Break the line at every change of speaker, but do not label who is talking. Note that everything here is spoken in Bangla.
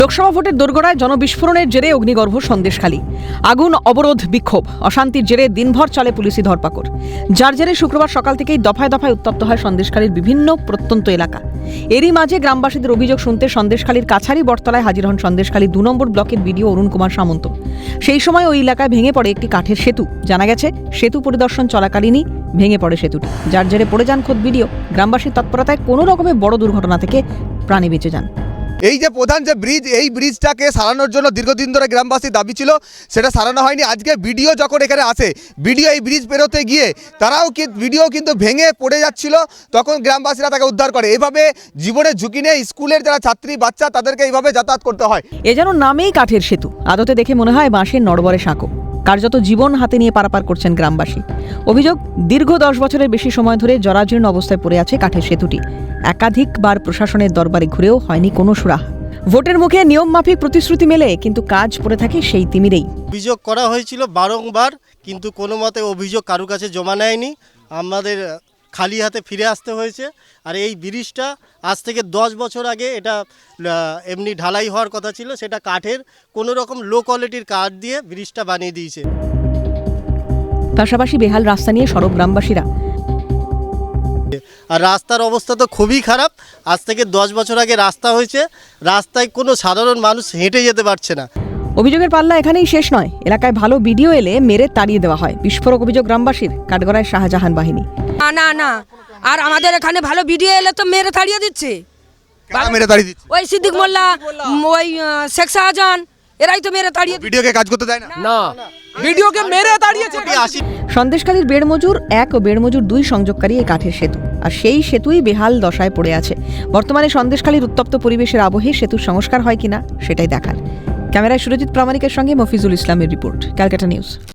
লোকসভা ভোটের দোরগোড়ায় জনবিস্ফোরণের জেরে অগ্নিগর্ভ সন্দেশখালী। আগুন, অবরোধ, বিক্ষোভ, অশান্তির জেরে দিনভর চলে পুলিশি ধরপাকড়, যার জেরে শুক্রবার সকাল থেকেই দফায় দফায় উত্তপ্ত হয় সন্দেশখালীর বিভিন্ন প্রত্যন্ত এলাকা। এরই মাঝে গ্রামবাসীদের অভিযোগ শুনতে সন্দেশখালীর কাছারি বটতলায় হাজির হন সন্দেশখালী ২ নম্বর ব্লকের বিডিও অরুণ কুমার সামন্ত। সেই সময় ওই এলাকায় ভেঙে পড়ে একটি কাঠের সেতু। জানা গেছে, সেতু পরিদর্শন চলাকালীনই ভেঙে পড়ে সেতুটি, যার জেরে পড়ে যান খোদ বিডিও। গ্রামবাসীর তৎপরতায় কোনো রকমের বড় দুর্ঘটনা থেকে প্রাণে বেঁচে যান।
এই যে প্রধান যে ব্রিজ, এই ব্রিজটাকে সারানোর জন্য দীর্ঘদিন ধরে গ্রামবাসীর দাবি ছিল, সেটা সারানো হয়নি। আজকে ভিডিও যখন এখানে আসে, ভিডিও এই ব্রিজ পেরোতে গিয়ে ভিডিও কিন্তু ভেঙে পড়ে যাচ্ছিল, তখন গ্রামবাসীরা তাকে উদ্ধার করে। এভাবে জীবনের ঝুঁকি নিয়ে স্কুলের যারা ছাত্রী বাচ্চা তাদেরকে এইভাবে যাতায়াত করতে হয়।
এ যেন নামেই কাঠের সেতু, আদতে দেখে মনে হয় বাঁশের নড়বড়ে সাঁকো। কার্যত জীবন হাতে নিয়ে পারাপার করছেন গ্রামবাসী। অভিযোগ, দীর্ঘ 10 বছরের বেশি সময় ধরে জরাজীর্ণ অবস্থায় পড়ে আছে কাঠের সেতুটি। একাধিকবার প্রশাসনের দরবারে ঘুরেও হয়নি কোনো সুরাহা। ভোটের মুখে নিয়ম মাফিক প্রতিশ্রুতি মেলে, কিন্তু কাজ পড়ে থাকে সেই তিমিরেই।
অভিযোগ করা হয়েছিল বারংবার, কিন্তু কোনো মতে অভিযোগ কারো কাছে জমা নেয়নি। আমাদের খালি হাতে ফিরে আসতে হয়েছে। আর এই ব্রিজটা আজ থেকে 10 বছর আগে এটা এমনি ঢালাই হওয়ার কথা ছিল, সেটা কাঠের কোনো রকম লো কোয়ালিটির কাঠ দিয়ে ব্রিজটা বানিয়ে দিয়েছে।
পাশাপাশি বেহাল রাস্তা নিয়ে সরব গ্রামবাসীরা।
আর রাস্তার অবস্থা তো খুবই খারাপ। আজ থেকে 10 বছর আগে রাস্তা হয়েছে, রাস্তায় কোনো সাধারণ মানুষ হেঁটে যেতে পারছে না।
অভিযোগের পাল্লা এখানেই শেষ নয়। এলাকায় ভালো ভিডিও এলে মেরে তাড়িয়ে দেওয়া হয়। বিস্ফোরক অভিযোগ গ্রামবাসীর। কাঠগড়ায় শাহজাহান বাহিনী।
না, আর আমাদের এখানে ভালো ভিডিও এলে তো মেরে তাড়িয়ে দিচ্ছে।
মেরে তাড়িয়ে দিচ্ছে
ওই সিদ্দিক মোল্লা, ওই শেখ শাহজাহান, এরাই তো মেরে তাড়িয়ে।
ভিডিওকে কাজ করতে দেয় না,
ভিডিওকে মেরে তাড়িয়েছে।
সন্দেশখালীর বেড়মজুর 1 ও বেড়মজুর 2 সংযোগকারী এই কাঠের সেতু, আর সেই সেতুই বেহাল দশায় পড়ে আছে। বর্তমানে সন্দেশখালীর উত্তপ্ত পরিবেশের আবহে সেতুর সংস্কার হয় কিনা সেটাই দেখার। ক্যামেরায় সুরজিৎ প্রামাণিকের সঙ্গে মফিজুল ইসলামের রিপোর্ট, ক্যালকাটা নিউজ।